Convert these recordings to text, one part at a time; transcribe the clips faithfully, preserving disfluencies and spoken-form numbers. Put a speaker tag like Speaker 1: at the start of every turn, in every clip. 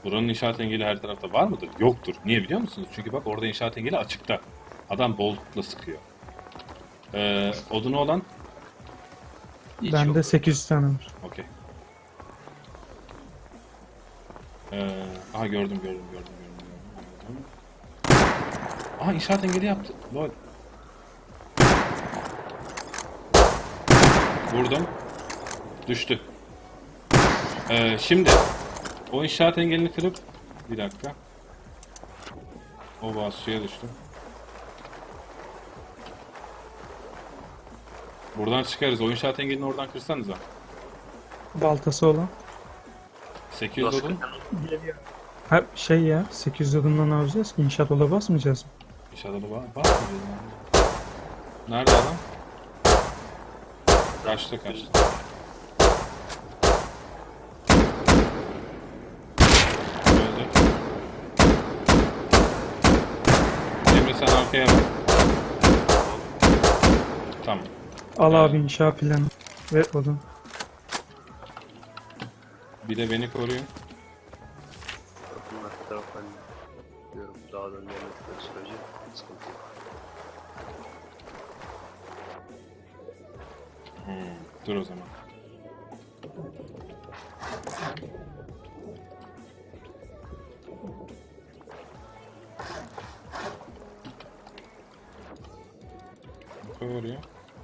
Speaker 1: Buranın inşaat engeli her tarafta var mıdır? Yoktur. Niye biliyor musunuz? Çünkü bak orada inşaat engeli açıkta. Adam boltla sıkıyor. Ee, odunu olan?
Speaker 2: Hiç
Speaker 3: Bende
Speaker 2: yok.
Speaker 3: sekiz yüz tane var.
Speaker 1: Okey. Ee, aha gördüm gördüm gördüm gördüm. gördüm. Aha inşaat engeli yaptı. Lol. Vurdum. Düştü. Ee, şimdi o inşaat engelini kırıp bir dakika. O vaz suya düştü. Buradan çıkarız. O inşaat engelini oradan kırsanıza.
Speaker 3: Baltası olan.
Speaker 1: sekiz yüz odun.
Speaker 3: Ha şey ya sekiz yüz adımdan ne yapacağız ki? İnşaat ola basmayacağız mı?
Speaker 1: İnşaat odun var. Var mı? Nerede adam? Kaçtı kaçtı. Öldü. Emre sen arkaya bak. Tamam.
Speaker 3: Al
Speaker 1: Evet.
Speaker 3: abi inşaat planı ve odun.
Speaker 1: Bir de beni koruyun.
Speaker 2: Bunlar taraftan diyorum dağdan gelmedikleri sürece sıkıntı yok.
Speaker 1: Hmm, dur o zaman. Koy oraya.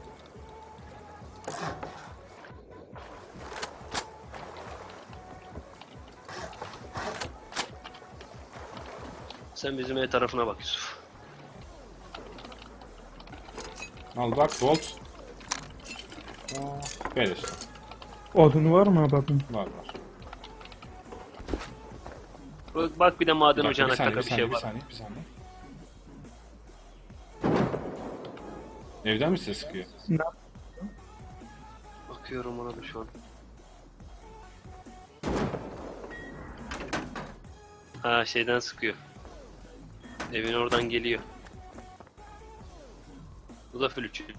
Speaker 2: Sen bizim ev tarafına bak Yusuf.
Speaker 1: Al bak bolt. Aa, böyle işte.
Speaker 3: Odunu var mı abi adın?
Speaker 1: Var var.
Speaker 2: Bak, bak bir de maden
Speaker 1: Bir dakika,
Speaker 2: ocağına
Speaker 1: bir saniye,
Speaker 2: kaka
Speaker 1: bir
Speaker 2: bir şey
Speaker 1: saniye, bir
Speaker 2: var.
Speaker 1: saniye, bir saniye. Evden mi ses sıkıyor?
Speaker 2: Bakıyorum ona da şu an. Ha şeyden sıkıyor. Evin oradan geliyor. Bu da flütçüydü.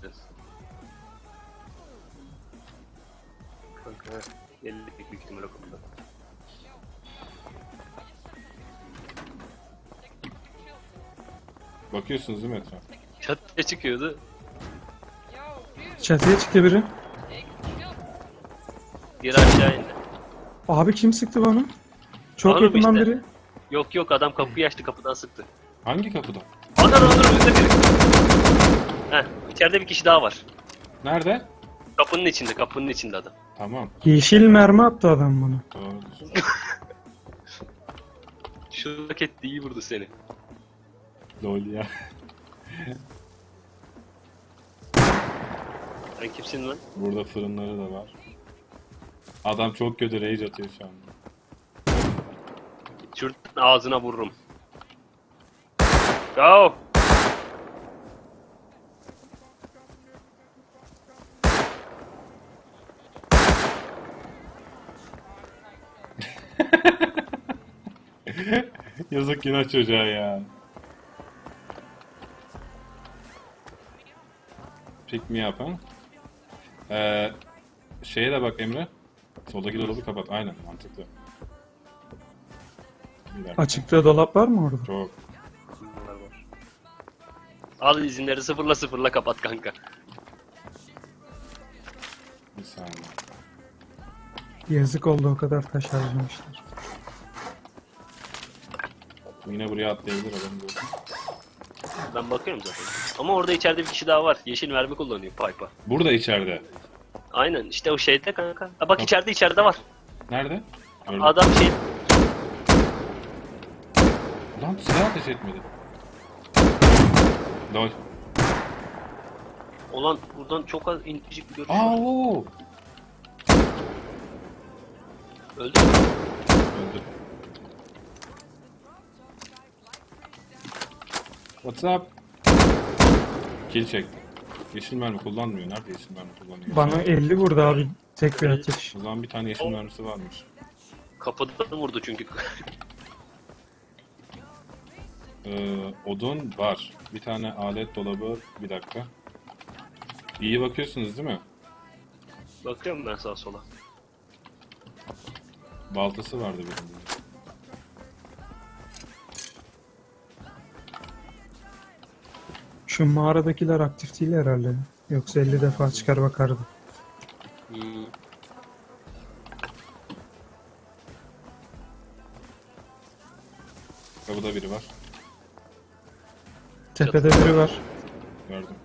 Speaker 2: Kanka geldik büyük ihtimalle kapıda.
Speaker 1: Bakıyorsunuz değil mi etrafa?
Speaker 2: Çatıya çıkıyordu.
Speaker 3: Çatıya çıktı biri.
Speaker 2: Geri aşağı indi.
Speaker 3: Abi kim sıktı bana? Çok
Speaker 2: Oğlum
Speaker 3: yakından
Speaker 2: işte.
Speaker 3: biri.
Speaker 2: Yok yok adam kapıyı açtı kapıdan sıktı.
Speaker 1: Hangi kapıda?
Speaker 2: Adam adam önünde biri. Heh içeride bir kişi daha var.
Speaker 1: Nerede?
Speaker 2: Kapının içinde kapının içinde adam.
Speaker 1: Tamam.
Speaker 3: Yeşil mermi attı adam bana.
Speaker 1: Doğrudur.
Speaker 2: Şu raket de iyi vurdu seni.
Speaker 1: Lol ya.
Speaker 2: Sen kimsin lan?
Speaker 1: Burada fırınları da var. Adam çok kötü rage atıyor şu anda.
Speaker 2: Şuradan ağzına vururum. Go!
Speaker 1: Yazık günah çocuğa ya. Pick me up ha? Ee, şeye de bak Emre. Soldaki dolabı kapat. Aynen mantıklı. Bir dakika.
Speaker 3: Açıkta dolap var mı orada?
Speaker 1: Çok.
Speaker 2: Bunlar var. Al izinleri sıfırla sıfırla kapat kanka.
Speaker 1: Bir saniye.
Speaker 3: Yazık oldu o kadar taş harcamışlar.
Speaker 1: Yine buraya atlayabilir adam diyorsun.
Speaker 2: Ben bakıyorum zaten. Ama orada içeride bir kişi daha var. Yeşil mermi kullanıyor pipe'a.
Speaker 1: Burada içeride.
Speaker 2: Aynen işte o şeyde kanka. Ha, bak içeride içeride var.
Speaker 1: Nerede? Gördüm.
Speaker 2: Adam şey...
Speaker 1: Lan silah ateş etmedi. Lol.
Speaker 2: Olan buradan çok az incecik bir görüş
Speaker 1: Aa
Speaker 2: var.
Speaker 1: oo.
Speaker 2: Öldü mü?
Speaker 1: Öldü. What's up? Kill çekti. Yeşil mermi kullanmıyor. Nerede yeşil mermi kullanıyor?
Speaker 3: Bana elli vurdu abi. Tek bir atış.
Speaker 1: O zaman bir tane yeşil mermisi varmış.
Speaker 2: Kapıdan vurdu çünkü.
Speaker 1: Ee, odun var. Bir tane alet dolabı. Bir dakika. İyi bakıyorsunuz değil mi?
Speaker 2: Bakıyorum ben sağa sola.
Speaker 1: Baltası vardı birinde.
Speaker 3: Şu mağaradakiler aktif değil herhalde. Yoksa elli defa çıkar bakardı.
Speaker 2: Hmm.
Speaker 1: Kapıda biri var.
Speaker 3: Tepede biri var.
Speaker 1: Gördüm.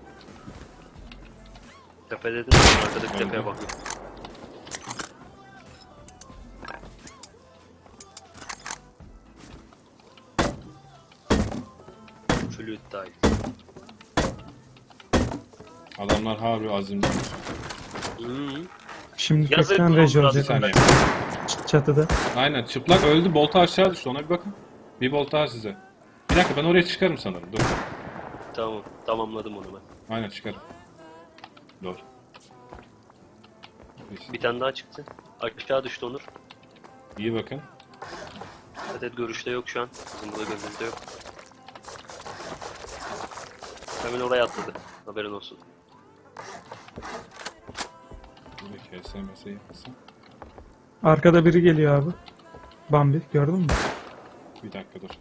Speaker 2: Tepe dedim. Arkadaki
Speaker 1: Gördüm.
Speaker 2: tepeye bak. Flüt dahil.
Speaker 1: Adamlar harbi azimli.
Speaker 2: Hmm.
Speaker 3: Şimdi
Speaker 2: Yazık
Speaker 3: tekrar
Speaker 2: oldu
Speaker 3: reji
Speaker 2: biraz
Speaker 1: Bir
Speaker 3: olacak.
Speaker 1: saniye.
Speaker 3: Ç- Çatıda.
Speaker 1: Aynen çıplak öldü. Bolta aşağı düştü. Ona bir bakın. Bir bolt daha size. Bir dakika ben oraya çıkarım sanırım. Dur.
Speaker 2: Tamam. Tamamladım onu ben.
Speaker 1: Aynen çıkarım. Dur.
Speaker 2: Bir tane daha çıktı. Aşağı düştü Onur.
Speaker 1: İyi bakın.
Speaker 2: Adet görüşte yok şu an. Bizim burada gözümüzde yok. Hemen oraya atladı. Haberin olsun.
Speaker 1: Bir K S M S yapmasın.
Speaker 3: Arkada biri geliyor abi. Bambi gördün mü?
Speaker 1: Bir dakika dur.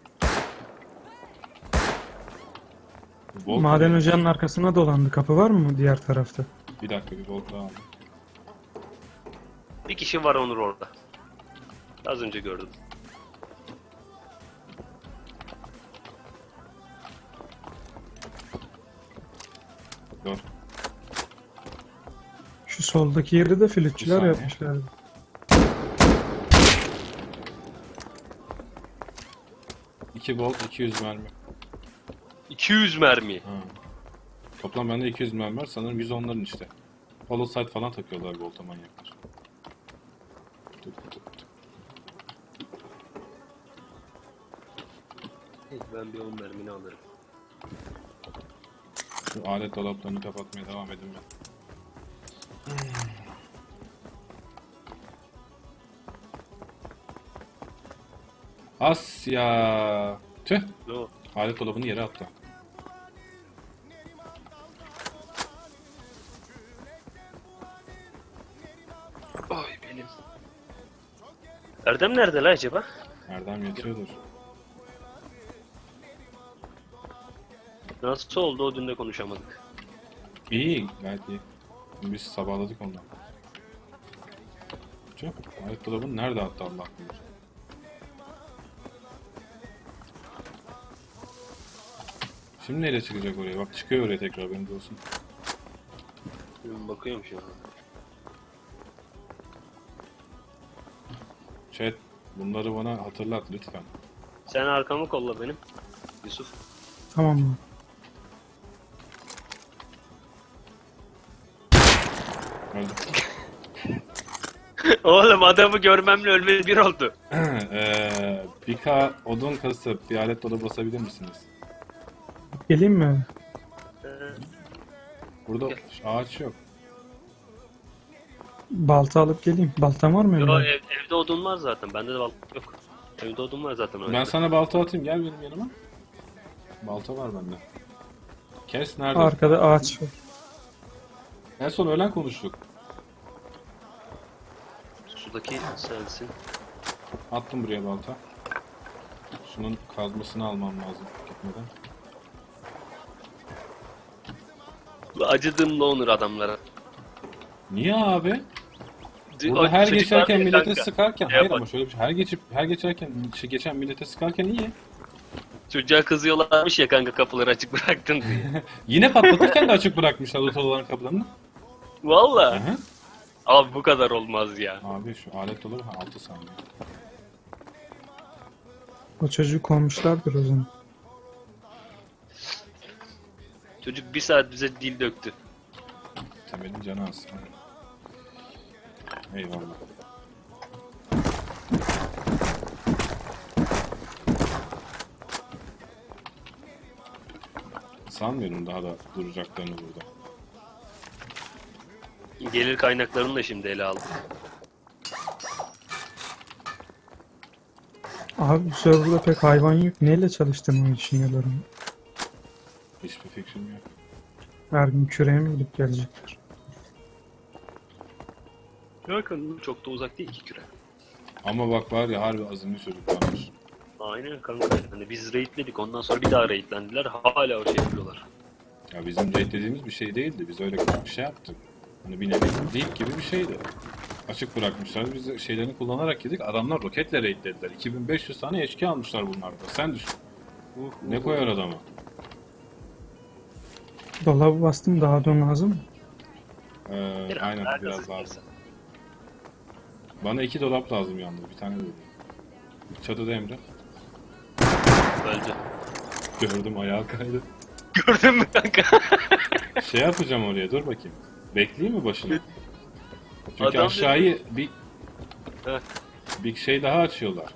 Speaker 1: Bolt
Speaker 3: Maden
Speaker 1: nereye?
Speaker 3: ocağının arkasına dolandı. Kapı var mı diğer tarafta?
Speaker 1: Bir dakika bir bolt daha aldım.
Speaker 2: Bir kişi var Onur orada. Az önce gördüm.
Speaker 1: Dur.
Speaker 3: Şu soldaki yeri de flütçüler
Speaker 1: saniye.
Speaker 3: yapmışlar.
Speaker 1: iki bolt iki yüz mermi.
Speaker 2: iki yüz mermi.
Speaker 1: Ha. Toplam bende iki yüz mermi var. Sanırım yüz onların işte. Hollow sight falan takıyorlar bolta manyaklar. Dur, dur, dur.
Speaker 2: Ben bir on mermini alırım.
Speaker 1: Şu alet dolaplarını kapatmaya devam edin ben. Asya. Tüh.
Speaker 2: No.
Speaker 1: Alet dolabını yere attı.
Speaker 2: Ay benim. Erdem nerede la acaba?
Speaker 1: Erdem yatıyordur.
Speaker 2: Nasıl oldu o dün de konuşamadık.
Speaker 1: İyi, gayet iyi. Biz sabahladık ondan. Tüh. Alet dolabını nerede attı Allah bilir. Şimdi neyle çıkacak oraya? Bak çıkıyor oraya tekrar benim de olsun.
Speaker 2: Ben bakıyorum şu an.
Speaker 1: Chat bunları bana hatırlat lütfen.
Speaker 2: Sen arkamı kolla benim. Yusuf.
Speaker 3: Tamam mı?
Speaker 1: Öldüm.
Speaker 2: Oğlum adamı görmemle ölmeli bir oldu.
Speaker 1: Eee bir K odun kasıp bir alet dolabı basabilir misiniz?
Speaker 3: Geleyim mi?
Speaker 2: Ee,
Speaker 3: Hmm.
Speaker 1: Burada ağaç yok.
Speaker 3: Balta alıp geleyim. Baltam var mı?
Speaker 2: Yo,
Speaker 3: evde?
Speaker 2: ev, evde odun var zaten. Bende de balta yok. Evde odun var zaten.
Speaker 1: Ben sana balta atayım gel benim yanıma. Balta var bende. Kes nerede?
Speaker 3: Arkada ağaç var.
Speaker 1: En son öğlen konuştuk.
Speaker 2: Sudaki sensin.
Speaker 1: Attım buraya balta. Şunun kazmasını almam lazım gitmeden.
Speaker 2: Acıdığımla Onur adamlara.
Speaker 1: Niye abi?
Speaker 2: O
Speaker 1: Burada her
Speaker 2: çocuklar
Speaker 1: geçerken
Speaker 2: diyor
Speaker 1: millete
Speaker 2: kanka.
Speaker 1: sıkarken,
Speaker 2: Ya
Speaker 1: hayır
Speaker 2: bak-
Speaker 1: ama şöyle bir şey, her geçip her geçerken şey, geçen millete sıkarken iyi.
Speaker 2: Çocuğa kızıyorlarmış ya kanka kapıları açık bıraktın diye.
Speaker 1: Yine patlatırken de açık bırakmışlar otoların kapılarını.
Speaker 2: Valla.
Speaker 1: Hı hı.
Speaker 2: Abi bu kadar olmaz ya.
Speaker 1: Abi şu alet olur ha altı saniye.
Speaker 3: O çocuğu kovmuşlardır o zaman.
Speaker 2: Çocuk bir saat bize dil döktü.
Speaker 1: Temelin canı az. Eyvallah. Sanmıyorum daha da duracaklarını burada.
Speaker 2: Gelir kaynaklarını da şimdi ele aldık.
Speaker 3: Abi bu serverda pek hayvan yok. Neyle çalıştığımı düşünüyorum.
Speaker 1: Hiçbir fikrim yok.
Speaker 3: Her gün küreğe mi gidip gelecekler?
Speaker 2: Bakın çok da uzak değil iki küre.
Speaker 1: Ama bak var ya harbi azimli çocuklarmış.
Speaker 2: Aynen kanka. Hani biz raidledik ondan sonra bir daha raidlendiler. Hala o şey yapıyorlar.
Speaker 1: Ya bizim raid dediğimiz bir şey değildi. Biz öyle küçük bir şey yaptık. Hani bir nevi deep gibi bir şeydi. Açık bırakmışlar. Biz de şeylerini kullanarak yedik. Adamlar roketle raidlediler. iki bin beş yüz tane H K almışlar bunlarda. Sen düşün. Ne koyar adama?
Speaker 3: Dolabı bastım, daha don lazım mı?
Speaker 1: Ee,
Speaker 2: Biraz
Speaker 1: aynen
Speaker 2: daha
Speaker 1: biraz
Speaker 2: kazık
Speaker 1: lazım. Bana iki dolap lazım yalnız. Bir tane de değil. Çatıda Emre.
Speaker 2: Öldü.
Speaker 1: Gördüm ayağa kaydı.
Speaker 2: Gördün mü kanka?
Speaker 1: Şey yapacağım oraya, dur bakayım. Bekleyeyim mi başına? Çünkü
Speaker 2: Adam
Speaker 1: aşağıyı bir
Speaker 2: Heh.
Speaker 1: bir şey daha açıyorlar.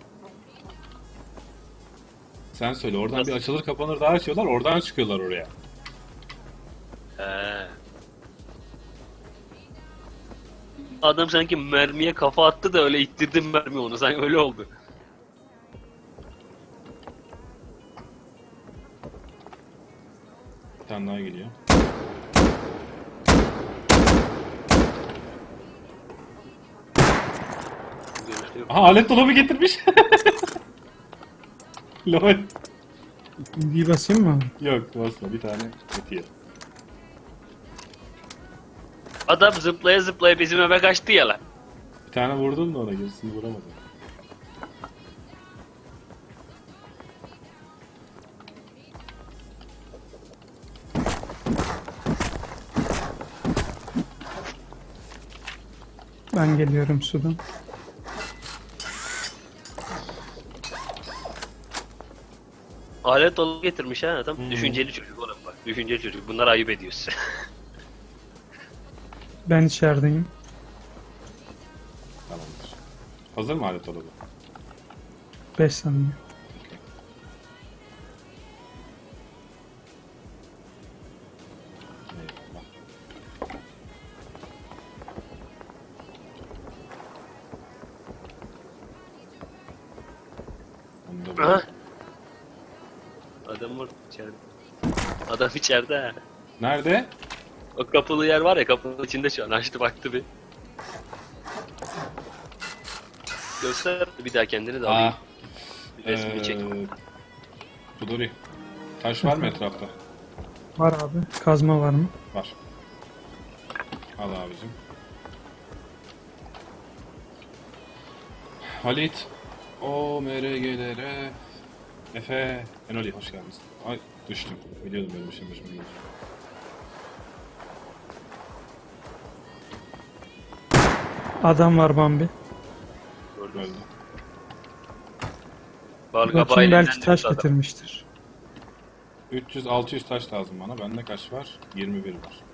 Speaker 1: Sen söyle, oradan
Speaker 2: Nasıl?
Speaker 1: bir açılır kapanır daha açıyorlar, oradan çıkıyorlar oraya.
Speaker 2: He. Adam sanki mermiye kafa attı da öyle ittirdim mermi onu. Sanki öyle oldu.
Speaker 1: Bir tane daha geliyor.
Speaker 2: Görüşlü.
Speaker 1: Aha, alet dolabı getirmiş. Lol.
Speaker 3: Bir basayım mı?
Speaker 1: Yok, basma, bir tane yetiyor.
Speaker 2: Adam zıplaya zıplaya bizim eve kaçtı ya lan.
Speaker 1: Bir tane vurdum da ona, gerisini vuramadım.
Speaker 3: Ben geliyorum sudan.
Speaker 2: Alet dolu getirmiş ha adam.
Speaker 1: Hmm.
Speaker 2: Düşünceli çocuk oğlum bak. Düşünceli çocuk. Bunlar ayıp ediyorsun.
Speaker 3: Ben içerideyim.
Speaker 1: Tamamdır. Hazır mı alet dolabı?
Speaker 3: beş saniye.
Speaker 1: Eyvallah. Onu da
Speaker 2: Aha.
Speaker 1: buldum.
Speaker 2: Adam var içeride. Adam içeride ha.
Speaker 1: Nerede?
Speaker 2: O kapılı yer var ya, kapının içinde şu an. Açtı baktı bir. Göster bir daha kendini de alayım.
Speaker 1: Aa,
Speaker 2: Bir resmini çek.
Speaker 1: Ee, Budori. Taş var mı etrafta?
Speaker 3: Var abi. Kazma var mı?
Speaker 1: Var. Al abicim. Halit. O M R G'lere. Efe. Enoli, hoş geldiniz. Ay, düştüm. Biliyordum benim işim başıma gelecek.
Speaker 3: Adam var Bambi.
Speaker 2: Gördüm.
Speaker 1: Öldü.
Speaker 2: Balga
Speaker 3: Bakayım,
Speaker 2: bayiliğinden
Speaker 3: belki taş
Speaker 2: düştü adam.
Speaker 3: getirmiştir.
Speaker 1: üç yüz altı yüz taş lazım bana. Bende kaç var? yirmi bir var.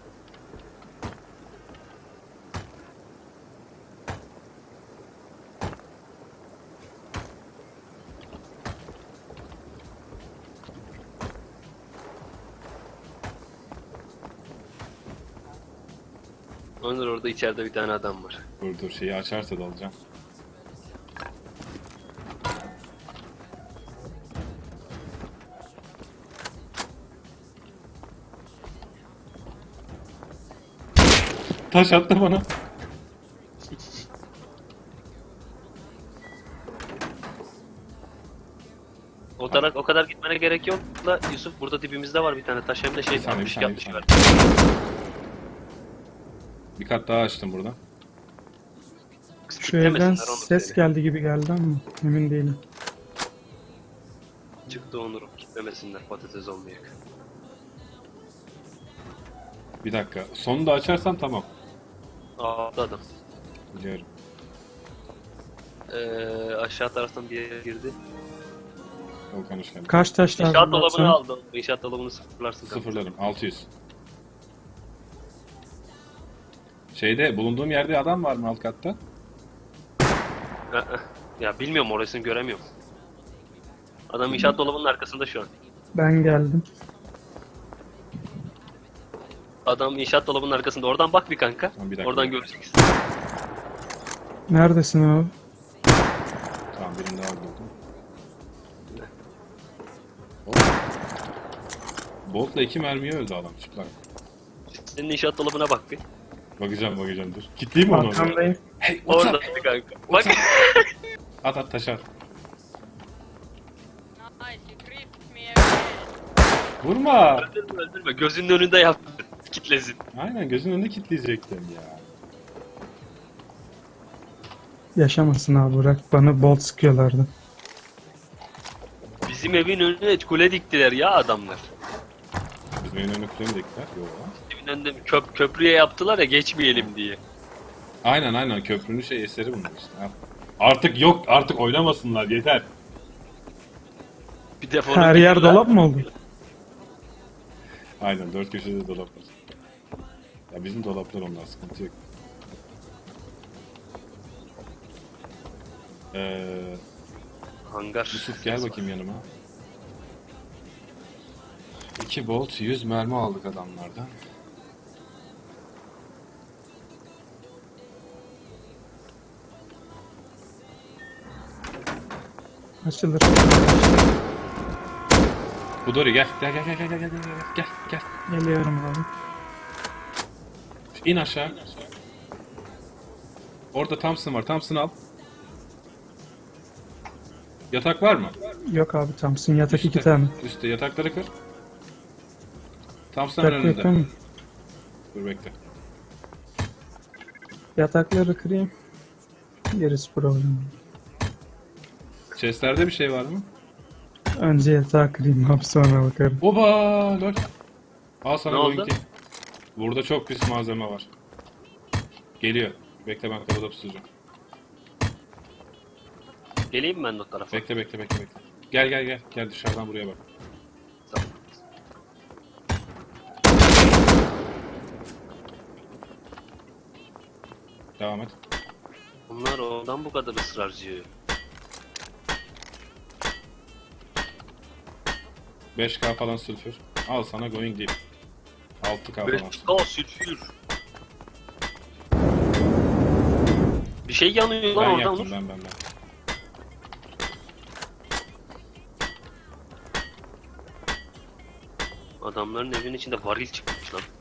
Speaker 2: Onur, orada içeride bir tane adam var.
Speaker 1: Dur dur, şeyi açarsa da alacağım. Taş attı bana.
Speaker 2: O kadar, o kadar gitmene gerek yok la Yusuf, burada dibimizde var bir tane taş, hem de şey
Speaker 1: Bir saniye, bir
Speaker 2: altmış
Speaker 1: saniye,
Speaker 2: yapmış
Speaker 1: bir
Speaker 2: var.
Speaker 1: Bir kat daha açtım buradan.
Speaker 3: Şu evden
Speaker 2: Kitlemesinler Onur
Speaker 3: ses
Speaker 2: seni.
Speaker 3: geldi gibi geldi ama emin değilim.
Speaker 2: Çıktı Onur'um, kitlemesinler patates olmayacak.
Speaker 1: Bir dakika. Sonunu da açarsan tamam.
Speaker 2: Aldı adam.
Speaker 1: Biliyorum.
Speaker 2: Ee, aşağı taraftan bir yere girdi.
Speaker 1: Volkan hoş geldin.
Speaker 3: Kaç taş lazım?
Speaker 2: İnşaat dolabını
Speaker 3: baksana?
Speaker 2: aldı. İnşaat dolabını sıfırlarsın. kanka.
Speaker 1: Sıfırladım. altı yüz. Şeyde, bulunduğum yerde adam var mı alt katta?
Speaker 2: Ee, Ya bilmiyorum, orasını göremiyorum. Adam inşaat dolabının arkasında şu an.
Speaker 3: Ben geldim.
Speaker 2: Adam inşaat dolabının arkasında. Oradan bak bir kanka.
Speaker 1: Tamam, bir dakika.
Speaker 2: Oradan göreceksin.
Speaker 3: Neredesin abi?
Speaker 1: Tamam, birini daha buldum. Bolt'la iki mermiye öldü adam, çıplak.
Speaker 2: Senin inşaat dolabına bak bir.
Speaker 1: Bakacağım bakacağım, dur. Kitleyeyim mi onu?
Speaker 3: Arkandayım.
Speaker 1: Hey, what's
Speaker 2: Orada
Speaker 1: up?
Speaker 2: bir kanka. Bak.
Speaker 1: At at taş at.
Speaker 4: Nice, you creeped me again.
Speaker 1: Vurma.
Speaker 2: Öldürme öldürme. Gözünün önünde yap. Kitlesin.
Speaker 1: Aynen gözünün önünde kilitleyecektim ya.
Speaker 3: Yaşamasın abi bırak. Bana bolt sıkıyorlardı.
Speaker 2: Bizim evin önüne kule diktiler ya adamlar.
Speaker 1: Bizim evin önüne kule mi diktiler? Yok.
Speaker 2: Evin önünde bir köp köprüye yaptılar ya geçmeyelim diye.
Speaker 1: Aynen aynen köprünün şey eseri bunlar işte. Ha. Artık yok artık oynamasınlar yeter.
Speaker 2: Bir defolu
Speaker 3: Her yer
Speaker 2: bilirler.
Speaker 3: dolap mı oldu?
Speaker 1: Aynen dört köşede dolap var. Ya bizim dolaplar onlar sıkıntı yok. Ee,
Speaker 2: Hangar.
Speaker 1: Yusuf gel bakayım yanıma. iki bolt yüz mermi aldık adamlardan.
Speaker 3: Açılır.
Speaker 1: Budori gel gel gel gel gel gel gel gel gel gel.
Speaker 3: Geliyorum abi.
Speaker 1: İn aşağı. Orada Thompson var. Thompson al. Yatak var mı?
Speaker 3: Yok abi Thompson yatak iki
Speaker 1: Üstte.
Speaker 3: tane.
Speaker 1: Üstte yatakları kır. Thompson
Speaker 3: Yatak
Speaker 1: önünde.
Speaker 3: yakın.
Speaker 1: Dur bekle.
Speaker 3: Yatakları kırayım. Gerisi problem.
Speaker 1: Chestlerde bir şey var mı?
Speaker 3: Önce yatağı kırayım abi sonra bakarım.
Speaker 1: Oba lol. Al sana
Speaker 2: Ne
Speaker 1: Boeing
Speaker 2: oldu?
Speaker 1: T. Burada çok pis malzeme var. Geliyor. Bekle ben kapıda pusacağım.
Speaker 2: Geleyim mi ben de o tarafa?
Speaker 1: Bekle bekle bekle bekle. Gel gel gel. Gel dışarıdan buraya bak.
Speaker 2: Tamam.
Speaker 1: Devam et.
Speaker 2: Bunlar ondan bu kadar ısrarcı.
Speaker 1: beş K falan sülfür. Al sana going deep. altı K falan.
Speaker 2: beş K sülfür. Bir şey yanıyor lan
Speaker 1: Ben
Speaker 2: oradan
Speaker 1: yaktım
Speaker 2: Onur.
Speaker 1: ben ben ben.
Speaker 2: Adamların evinin içinde varil çıkmış lan.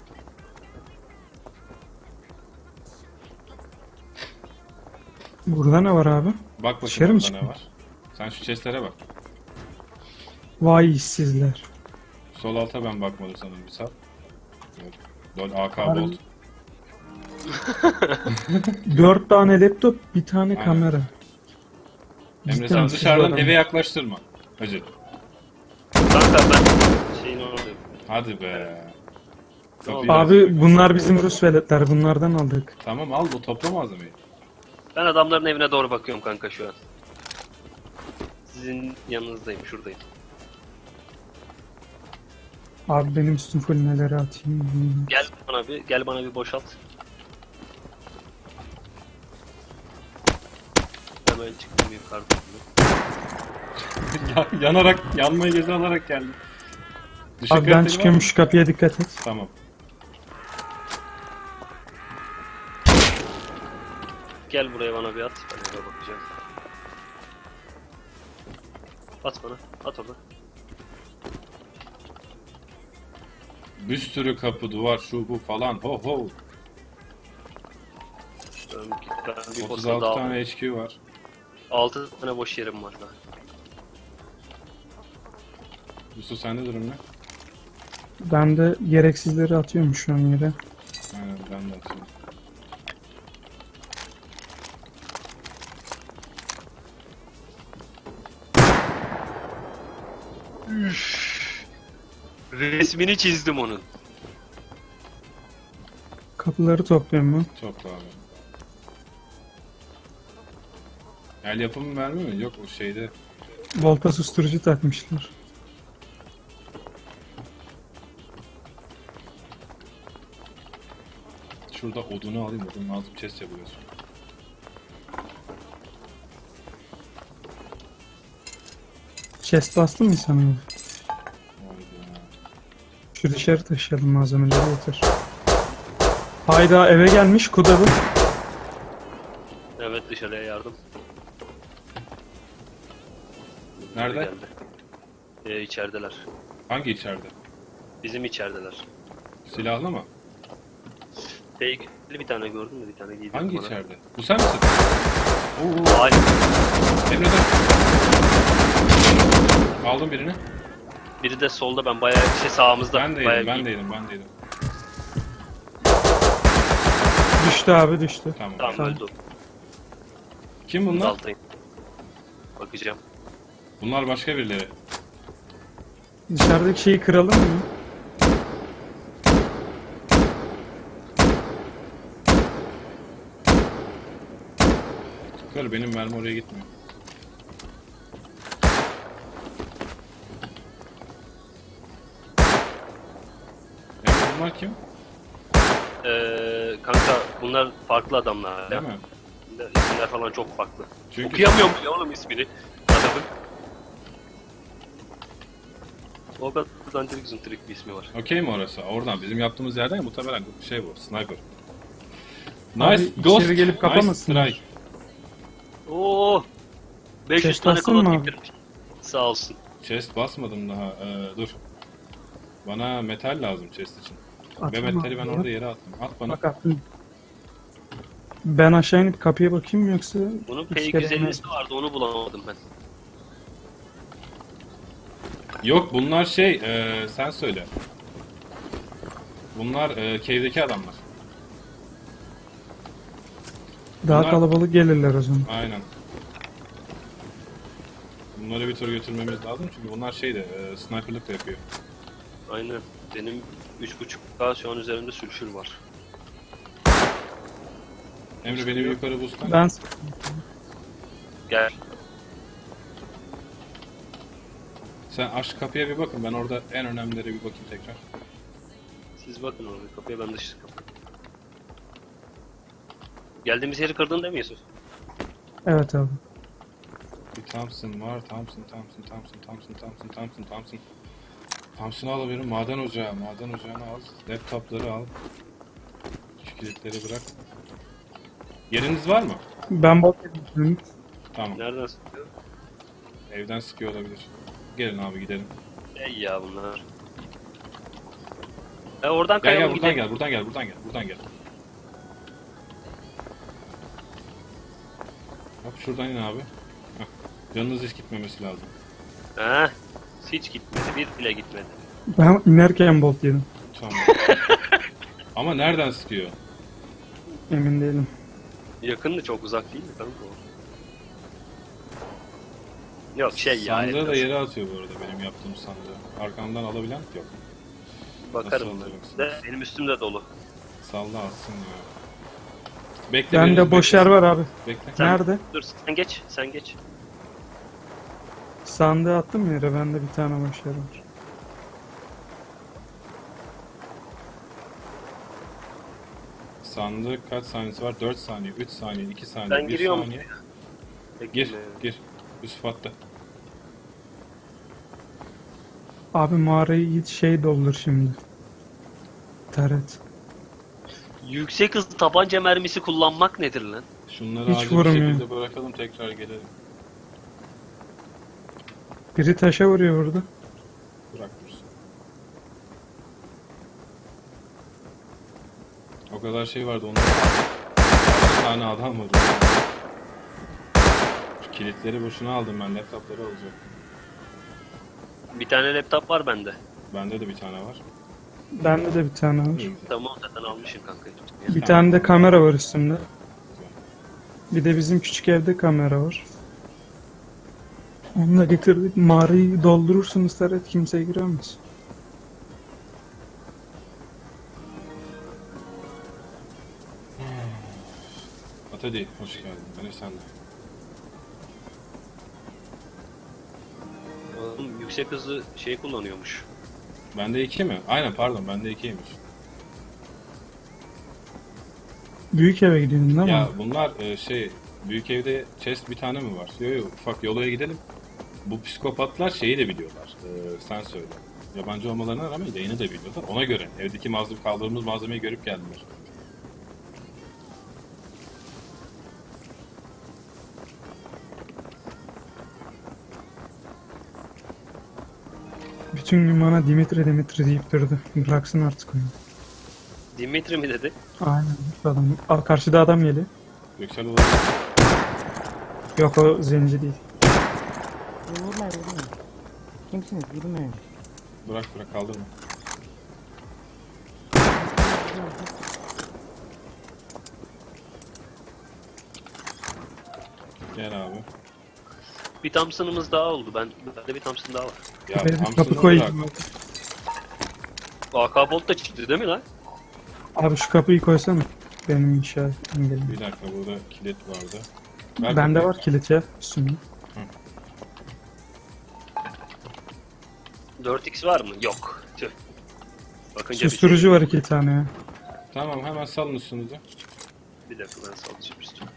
Speaker 3: Burada ne var abi?
Speaker 1: Bak
Speaker 3: Dışarı
Speaker 1: bakayım
Speaker 3: mı
Speaker 1: orada ne
Speaker 3: çıkmış?
Speaker 1: var. Sen şu chestlere bak.
Speaker 3: Vay işsizler.
Speaker 1: Sol alta ben bakmadım sanırım bir saat. Evet. Lol A K
Speaker 3: Harbi.
Speaker 1: bolt.
Speaker 3: Dört tane laptop, bir tane
Speaker 1: Aynen.
Speaker 3: kamera.
Speaker 1: Emre
Speaker 3: Cidden
Speaker 1: sen
Speaker 3: işsiz
Speaker 1: dışarıdan
Speaker 3: adam.
Speaker 1: eve yaklaştırma. Hacı.
Speaker 2: Kanka ben şeyin oradayım.
Speaker 1: Hadi be.
Speaker 2: Ne oldu?
Speaker 1: Kapıyı aç.
Speaker 3: Abi bunlar bizim Rus veletler. Bunlardan aldık.
Speaker 1: Tamam al bu topla malzemeyi.
Speaker 2: Ben adamların evine doğru bakıyorum kanka şu an. Sizin yanınızdayım, şuradayım.
Speaker 3: Abi benim üstüm full neleri atayım.
Speaker 2: Gel bana bir, gel bana bir boşalt. Hemen çıktım yukarıdan.
Speaker 1: Ya- Yanarak, yanmayı göze alarak geldim. Düşük
Speaker 3: Abi ben
Speaker 1: kaliteli var
Speaker 3: çıkıyorum
Speaker 1: mı?
Speaker 3: şu kapıya dikkat et.
Speaker 1: Tamam.
Speaker 2: Gel buraya bana bir at. Ben oraya bakacağım. At bana, at orada.
Speaker 1: Bir sürü kapı, duvar, şu bu falan. Ho ho.
Speaker 2: Ben, ben bir
Speaker 1: otuz
Speaker 2: posta
Speaker 1: altı
Speaker 2: daha
Speaker 1: tane H Q var.
Speaker 2: altı tane boş yerim var daha.
Speaker 1: Yusuf sende durum ne?
Speaker 3: Ben de gereksizleri atıyorum şu an yere.
Speaker 1: Aynen ben de atıyorum.
Speaker 2: Resmini çizdim onun.
Speaker 3: Kapıları topluyorum ben.
Speaker 1: Topla abi. El yapımı mermi mi? Yok o şeyde.
Speaker 3: Volta susturucu takmışlar.
Speaker 1: Şurada odunu alayım. Odun lazım. Chest yapıyoruz.
Speaker 3: Chest bastın mı sana?
Speaker 1: Vay be.
Speaker 3: Şu dışarı taşıyalım malzemeleri yeter. Hayda eve gelmiş Kudalı.
Speaker 2: Evet dışarıya yardım.
Speaker 1: Nerede?
Speaker 2: Geldi. Ee, içerideler.
Speaker 1: Hangi içeride?
Speaker 2: Bizim içerideler.
Speaker 1: Silahlı mı?
Speaker 2: Tehlikeli bir tane gördün mü? Bir tane giydim
Speaker 1: Hangi
Speaker 2: bana.
Speaker 1: içeride? Bu sen misin? Oo,
Speaker 2: Aynen.
Speaker 1: Emre dön. Aldım birini.
Speaker 2: Biri de solda, ben bayağı şey sağımızda.
Speaker 1: Ben de
Speaker 2: bayağı
Speaker 1: yedim, ben
Speaker 2: iyi.
Speaker 1: de yedim, ben de yedim.
Speaker 3: Düştü abi düştü.
Speaker 1: Tamam.
Speaker 2: Tamam
Speaker 3: Tamam.
Speaker 2: öldü.
Speaker 1: Kim bunlar?
Speaker 2: Altayım. Bakacağım.
Speaker 1: Bunlar başka birileri.
Speaker 3: Dışarıdaki şeyi kıralım mı?
Speaker 1: Kır, benim mermi oraya gitmiyor. Ya bunlar kim?
Speaker 2: Ee, kanka bunlar farklı adamlar.
Speaker 1: Değil
Speaker 2: ya.
Speaker 1: mi?
Speaker 2: İsimler falan çok farklı.
Speaker 1: Çünkü
Speaker 2: Okuyamıyorum bile oğlum ismini. Adamın. O kadar dandirik zıntırik bir ismi var.
Speaker 1: okey mi orası? Oradan bizim yaptığımız yerden ya, muhtemelen şey bu, sniper.
Speaker 3: Abi
Speaker 1: Nice
Speaker 3: içeri
Speaker 1: ghost,
Speaker 3: gelip
Speaker 1: nice
Speaker 3: kapamasınlar.
Speaker 1: strike.
Speaker 2: Oo! beş yüz
Speaker 3: Chest
Speaker 2: tane
Speaker 3: bastın mı
Speaker 2: klon
Speaker 3: abi?
Speaker 2: indirmiş. Sağ olsun.
Speaker 1: Chest basmadım daha, ee, dur. Bana metal lazım chest için. Ve
Speaker 3: Atayım
Speaker 1: metali
Speaker 3: abi
Speaker 1: ben
Speaker 3: ya.
Speaker 1: orada yere attım. At bana.
Speaker 3: Bak attım. Ben aşağı inip kapıya bakayım mı yoksa
Speaker 2: Bunun
Speaker 3: hiç
Speaker 2: P iki yüz
Speaker 3: gerek
Speaker 2: ellisi vardı, onu bulamadım ben.
Speaker 1: Yok bunlar şey, ee, sen söyle. Bunlar ee, cave'deki adamlar.
Speaker 3: daha
Speaker 1: Bunlar-
Speaker 3: kalabalık gelirler o zaman.
Speaker 1: Aynen. Bunları bir tur götürmemiz lazım çünkü bunlar şey de ee, sniperlık da yapıyor.
Speaker 2: Aynen. Benim üç buçuk K şu an üzerimde sülfür var.
Speaker 1: Emre beni bir yukarı boostlan.
Speaker 3: Ben
Speaker 2: Gel.
Speaker 1: Sen aç kapıya bir bakın, ben orada en önemlilere bir bakayım tekrar.
Speaker 2: Siz bakın oraya kapıya, ben dış kapı. Geldiğimiz yeri kırdın değil mi Yusuf?
Speaker 3: evet abi.
Speaker 1: Bir Thompson var, Thompson, Thompson, Thompson, Thompson, Thompson, Thompson, Thompson. Thompson'ı alabilirim, maden ocağı, maden ocağını al, laptopları al. Şu kilitleri bırak. Yeriniz var mı?
Speaker 3: Ben bot edeyim.
Speaker 1: Tamam,
Speaker 2: Nereden sıkıyor?
Speaker 1: evden sıkıyor olabilir. Gelin abi gidelim.
Speaker 2: Ey ya bunlar. E oradan
Speaker 1: Gel gel
Speaker 2: kayalım
Speaker 1: buradan
Speaker 2: gidelim.
Speaker 1: gel, buradan gel, buradan gel, buradan gel. Bak şuradan in abi. Heh. Canınız hiç gitmemesi lazım.
Speaker 2: Ha, hiç gitmedi, bir bile gitmedi.
Speaker 3: Ben inerken bolt yedim.
Speaker 1: Tamam. Ama nereden sıkıyor?
Speaker 3: Emin değilim.
Speaker 2: Yakındı, çok uzak değil mi kanka o? Yok şey ya.
Speaker 1: Sandığı da
Speaker 2: elmas.
Speaker 1: yere atıyor bu arada benim yaptığım sandığı. Arkamdan alabilen yok.
Speaker 2: Bakarım
Speaker 1: Nasıl
Speaker 2: ben.
Speaker 1: olacaksın?
Speaker 2: De, benim üstüm de dolu.
Speaker 1: Salla atsın ya. Bekle
Speaker 3: Bende
Speaker 1: biriniz
Speaker 3: boş
Speaker 1: beklesin.
Speaker 3: yer var abi.
Speaker 1: Bekle.
Speaker 2: Sen-
Speaker 3: Nerede?
Speaker 2: Dur sen geç, sen geç.
Speaker 3: Sandığı attım yere. Bende bir tane boş yer var.
Speaker 1: Sandık kaç saniyesi var? dört saniye, üç saniye, iki saniye,
Speaker 2: Ben
Speaker 1: bir
Speaker 2: giriyorum.
Speaker 1: saniye.
Speaker 2: Bekle.
Speaker 1: Gir, gir. Yusuf attı.
Speaker 3: Abi mağarayı git şey doldur şimdi. Taret.
Speaker 2: Yüksek hızlı tabanca mermisi kullanmak nedir lan?
Speaker 1: Şunları
Speaker 3: Hiç
Speaker 1: acil bir
Speaker 3: vurmuyor.
Speaker 1: şekilde bırakalım, tekrar gelelim.
Speaker 3: Biri taşa vuruyor burada.
Speaker 1: Bırak dursun. O kadar şey vardı onda. Bir tane adam var. Şu kilitleri boşuna aldım ben, laptopları alacağım.
Speaker 2: Bir tane laptop var bende.
Speaker 1: Bende de bir tane var.
Speaker 3: Bende de bir tane var.
Speaker 2: Tamam zaten almışım kanka.
Speaker 3: Bir tane de kamera var üstümde. Bir de bizim küçük evde kamera var. Onu da getirdik. Mağarayı doldurursunuz Taret, kimse giremez.
Speaker 1: Atadi, hoş geldin. Beni sen de.
Speaker 2: Oğlum yüksek hızlı şey kullanıyormuş.
Speaker 1: Bende iki mi? Aynen pardon, bende ikiymiş.
Speaker 3: Büyük eve gidiyorsun değil mi?
Speaker 1: Ya bunlar e, şey, büyük evde chest bir tane mi var? Yok yok, ufak yolaya gidelim. Bu psikopatlar şeyi de biliyorlar. E, sen söyle. Yabancı olmalarına rağmen yayını da biliyorlar. Ona göre evdeki malzeme, kaldırdığımız malzemeyi görüp geldiler.
Speaker 3: Bütün gün bana Dimitri Dimitri deyip durdu. Bıraksın artık oyunu.
Speaker 2: Dimitri mi dedi?
Speaker 3: Aynen. Adam. Aa, karşıda adam geliyor.
Speaker 1: Yüksel olabilir.
Speaker 3: Yok o zenci değil.
Speaker 4: Vurmayın vurmayın. Kimsiniz? Vurmayın.
Speaker 1: Bırak bırak kaldırma. Gel abi.
Speaker 2: Bir Thompson'ımız daha oldu. Ben bende bir Thompson daha var.
Speaker 1: Ya
Speaker 3: Benim kapı
Speaker 1: Thompson'ı bırak.
Speaker 3: koyayım.
Speaker 2: A K Bolt da çıktı değil mi lan?
Speaker 3: Abi şu kapıyı koysana. Benim inşaat engelim.
Speaker 1: Bir dakika burada kilit vardı. Ver
Speaker 3: Bende
Speaker 1: kapıyı.
Speaker 3: var kilit ya üstünde.
Speaker 2: dört x var mı? Yok. Tüh. Bakınca bir
Speaker 3: Susturucu
Speaker 2: şey-
Speaker 3: var iki tane ya.
Speaker 1: Tamam hemen salın üstünüzü.
Speaker 2: Bir dakika ben sallayacağım üstüne.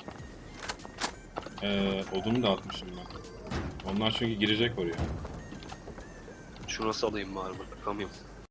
Speaker 1: Ee, odunu da atmışım ben. Onlar çünkü girecek oraya.
Speaker 2: Şuna salayım bari bakamıyorum.